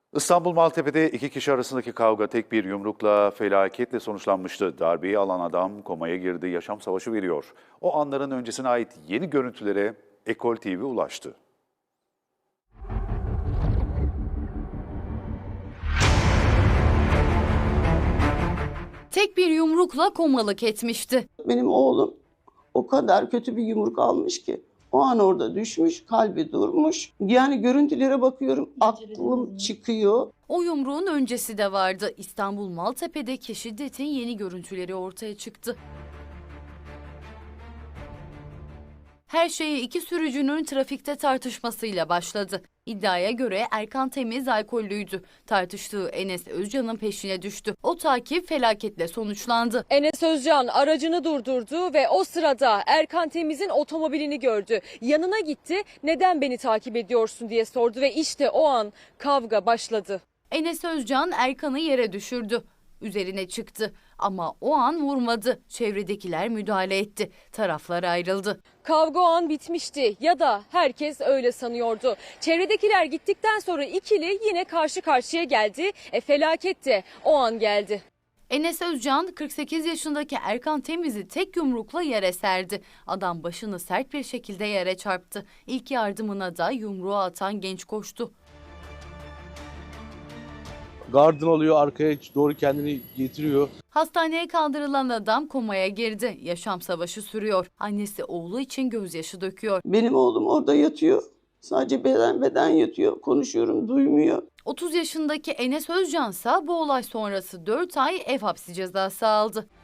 İstanbul Maltepe'de iki kişi arasındaki kavga tek bir yumrukla felaketle sonuçlanmıştı. Darbeyi alan adam komaya girdi, yaşam savaşı veriyor. O anların öncesine ait yeni görüntülere Ekol TV ulaştı. Tek bir yumrukla komalık etmişti. Benim oğlum o kadar kötü bir yumruk almış ki o an orada düşmüş, kalbi durmuş. Yani görüntülere bakıyorum, aklım çıkıyor. O yumruğun öncesi de vardı. İstanbul Maltepe'deki şiddetin yeni görüntüleri ortaya çıktı. Her şey iki sürücünün trafikte tartışmasıyla başladı. İddiaya göre Erkan Temiz alkollüydü. Tartıştığı Enes Özcan'ın peşine düştü. O takip felaketle sonuçlandı. Enes Özcan aracını durdurdu ve o sırada Erkan Temiz'in otomobilini gördü. Yanına gitti, neden beni takip ediyorsun diye sordu ve işte o an kavga başladı. Enes Özcan Erkan'ı yere düşürdü. Üzerine çıktı ama o an vurmadı. Çevredekiler müdahale etti. Taraflar ayrıldı. Kavga o an bitmişti ya da herkes öyle sanıyordu. Çevredekiler gittikten sonra ikili yine karşı karşıya geldi. Felaket de o an geldi. Enes Özcan 48 yaşındaki Erkan Temiz'i tek yumrukla yere serdi. Adam başını sert bir şekilde yere çarptı. İlk yardımına da yumruğu atan genç koştu. Gardını alıyor, arkaya doğru kendini getiriyor. Hastaneye kaldırılan adam komaya girdi. Yaşam savaşı sürüyor. Annesi oğlu için gözyaşı döküyor. Benim oğlum orada yatıyor. Sadece beden yatıyor. Konuşuyorum, duymuyor. 30 yaşındaki Enes Özcan ise bu olay sonrası 4 ay ev hapsi cezası aldı.